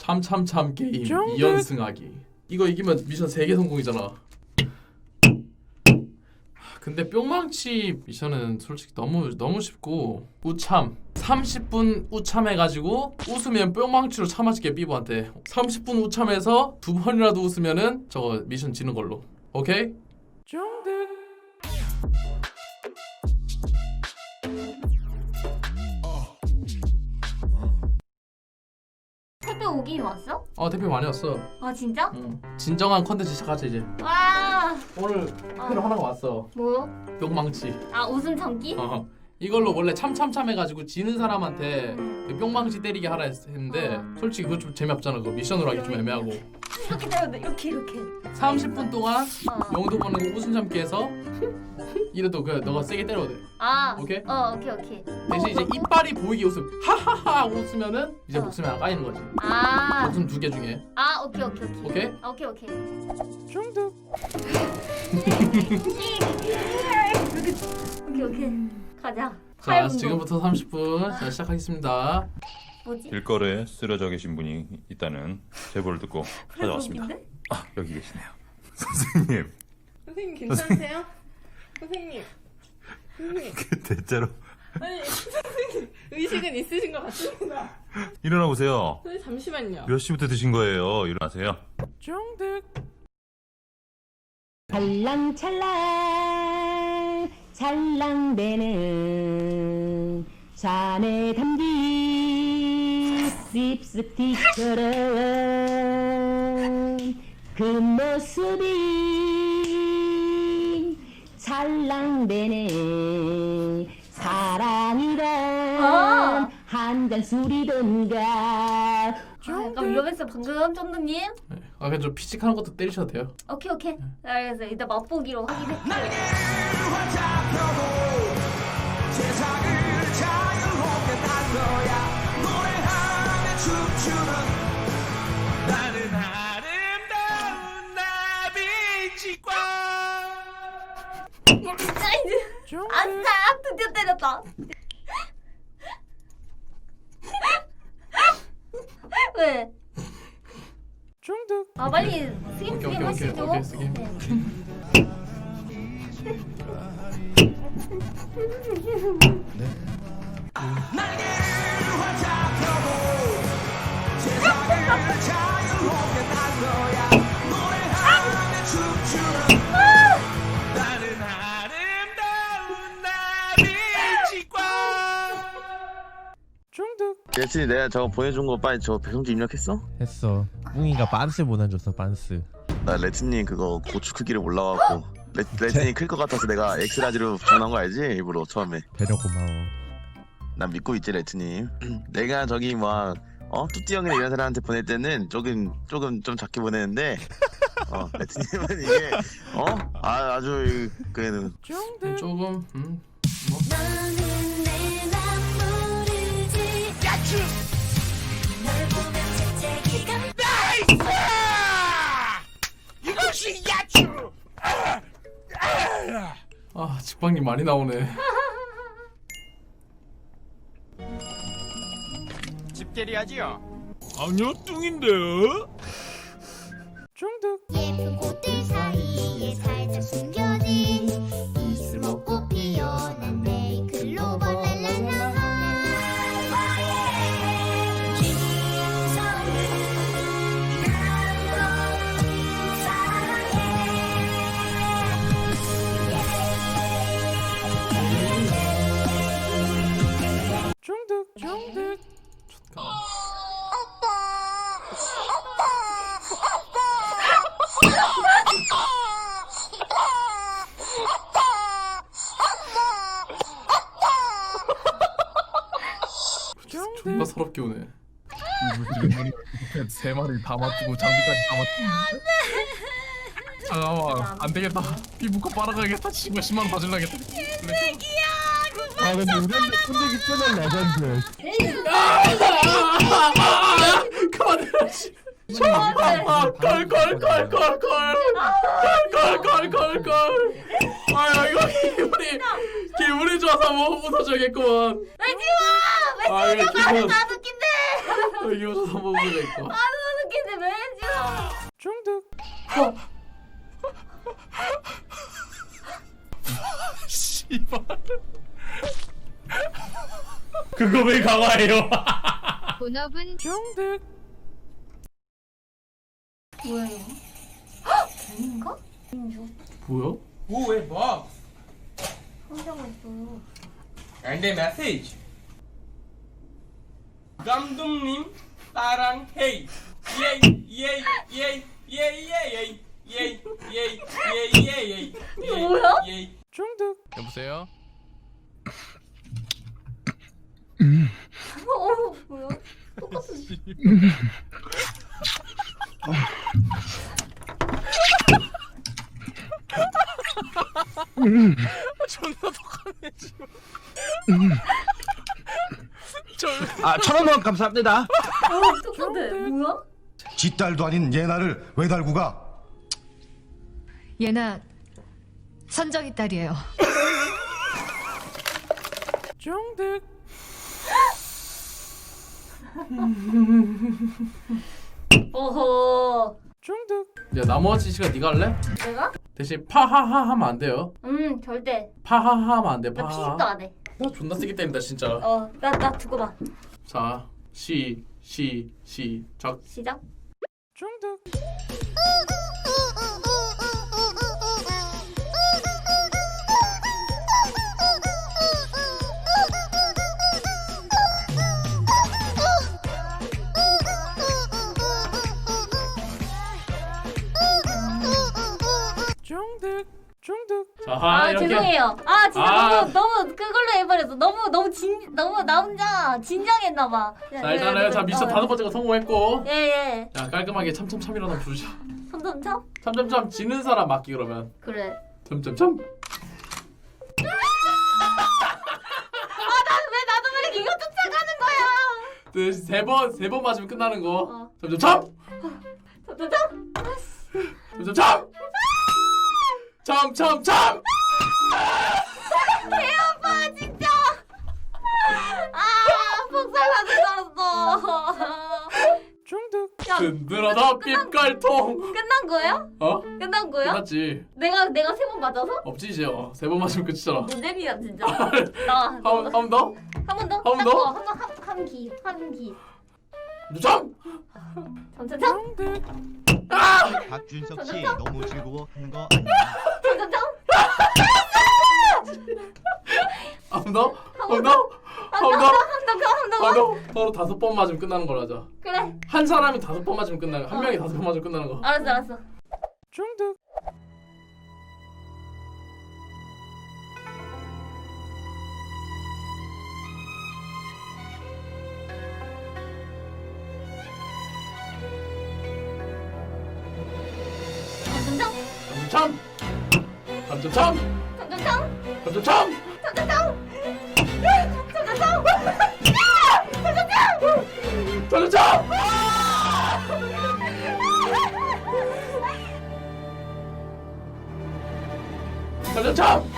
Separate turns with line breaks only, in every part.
참참참 게임 2연승하기. 이거 이기면 미션 3개 성공이잖아. 근데 뿅망치 미션은 솔직히 너무 쉽고, 우참 30분 우참해가지고 웃으면 뿅망치로 참아줄게. 삐부한테 30분 우참해서 2번이라도 웃으면은 저거 미션 지는 걸로. 오케이?
택배 오긴 왔어?
대표 많이 왔어.
아 진짜?
응. 진정한 컨텐츠 시작하자 이제.
와.
오늘 택배로 하나가 왔어.
뭐?
뿅망치.
아 웃음 참기?
이걸로 원래 참참참 해가지고 지는 사람한테 그 뿅망치 때리게 하라 했는데 솔직히 그거 좀 재미없잖아. 그거 미션으로 하기 좀 애매하고.
이렇게 때려도 돼. 이렇게
30분 동안 영도 보는 거 웃음 참기 해서 이래도 그 너가 세게 때려도 돼. 오케이?
오케이.
대신 이제 이빨이 보이게 웃음 하하하 하고 웃으면은 이제 목숨이 하나 까이는 거지. 목숨 2개 중에.
오케이.
오케이?
중독.
오케이. 가자.
자, 지금부터 30분 자, 시작하겠습니다.
뭐지?
길거리에 쓰러져 계신 분이 있다는 제보를 듣고 찾아왔습니다.
웃긴데?
여기 계시네요. 선생님.
선생님 괜찮으세요? 선생님.
대체로
아니 선생님 의식은 있으신 것 같습니다.
일어나 보세요.
선생님 잠시만요.
몇 시부터 드신 거예요? 일어나세요.
중득.
찰랑찰랑 찰랑대는 잔에 담긴 립스틱처럼 그 모습이 찰랑대네. 사랑이란 한 잔 술이던가.
약간 위험했어 방금 쫀득님.
그냥 좀 피식하는 것도 때리셔도 돼요.
오케이. 알겠어. 이따 맛보기로 확인해. 아싸! 드디어 때렸다. 왜?
중득.
빨리 스킵
오케이,
하시죠.
오케이, 스킵.
예진이 내가 저거 보내준 거 빨리 저 배송지 입력했어?
했어. 뿡이가 빤스 보내줬어. 빤스.
나 레트님 그거 고추 크기를 몰라갖고 레트님 클 것 같아서 내가 엑스라지로 주문한 거 알지? 일부러 처음에.
배려 고마워.
난 믿고 있지 레트님. 내가 저기 막 뚜띠 형이나 이런 사람한테 보낼 때는 조금 좀 작게 보내는데 레트님은 이게 아주 그
조금 뭐.
이것이 야추!
직방님 많이 나오네.
집게리하지요?
아니요, 뚱인데요?
중득.
예쁜 꽃들 사이에 살짝 숨겨진 이슬로 꽃 피어난 네이클로버 랄랄라.
중득. 존나 서럽게 오네.
세 마리 다 맞추고 장비까지 다 맞추고. 잠깐만 안 되겠다. 피부과 빨아가야겠다. 친구가 10만 원 받으려겠다.
근데 우리한테 꼰대기 채널 레전드.
그만해. 걸. 이거 기분이 좋아서 못 웃어줘야겠구만.
왜 지워? 왜 지워? 나도 웃긴데.
기분 좋아서 못 웃어야겠구만. 씨발. 그거 왜 강화해요?
본업은
정득.
뭐야 이거? 헉! 뱀인가? 민주
뭐야?
Who is Bob?
상자가 있어요.
And a message. 감독님 사랑해. 예예예예예예예예예예예예예.
이거 뭐야?
정득. 여보세요?
뭐야? 똑같은.
존나 독하네 지금.
아, 1,000원 감사합니다.
똑같아. 뭐야?
뒷딸도 아닌 예나를 왜 달고 가?
예나 선정이 딸이에요.
정득.
어허.
정득. 야 나머지 시간 네가 할래?
내가?
대신 파하하 하면 안 돼요.
절대.
파하하 하면 안 돼.
나
파하.
피식도 안 해.
나 존나 세게 때린다 진짜.
나 두고 봐.
자, 시작.
시작.
정득. 정득. 자, 이렇게.
죄송해요. 진짜 너무 그걸로 해버렸어. 너무 나 혼자 진정했나 봐.
자, 일단은 자 미션 5번째가 성공했고.
예.
자, 깔끔하게 참참참이라도 부르자.
참참참?
참참참 지는 사람 맞기 그러면.
그래.
참참참.
왜 나도 모르게 이거 쫓아가는 거야?
세 번 맞으면 끝나는 거. 참참참.
참참참?
참참참. 참참참.
개아파 진짜. 폭살 받은 줄 알았어.
중득.
야,
든든하다 삐깔통.
끝난 거야? 끝난 거야?
끝났지.
내가 3번 맞아서?
없지 이제. 3번 맞으면 끝이잖아.
노잼이야 진짜.
한 번 더?
한 번 더?
한 번 더?
한 기.
참.
참참참?
박준석 씨 너무 즐거워하는 거 아니야?
참참참?
한 번 더? 한 번 더? 한 번 더? 서로 5번 맞으면 끝나는 걸로 하자.
그래.
한 사람이 5번 맞으면 끝나는 거. 한 명이 5번 맞으면 끝나는 거.
알았어.
중득.
참참참?
참참참.
참참참?
참참참.
참참참?
참참참. 참참참.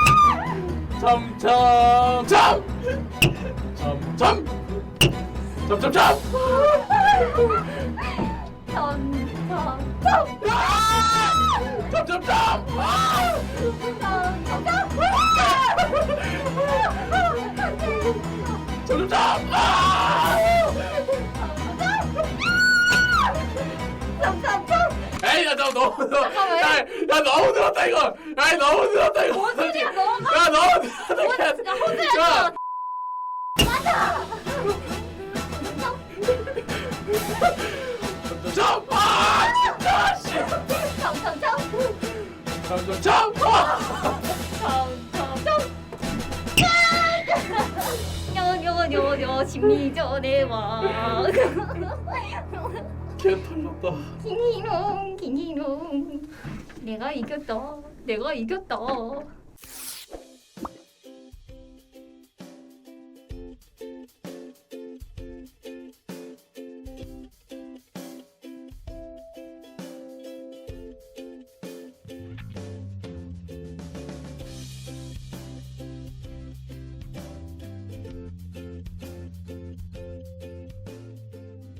참참참. 참참. 참참참. 참참참. 에이 야 너무 야 너무 늘었다 이거. 야 너무 늘었다 이거.
뭔 소리야 너가?
야 너무 늘었다.
야 호주야.
참! 아! 진짜 씨.
참참참?
참!
요 심리전에 와.
개 털렸다.
킹이롱 내가 이겼다.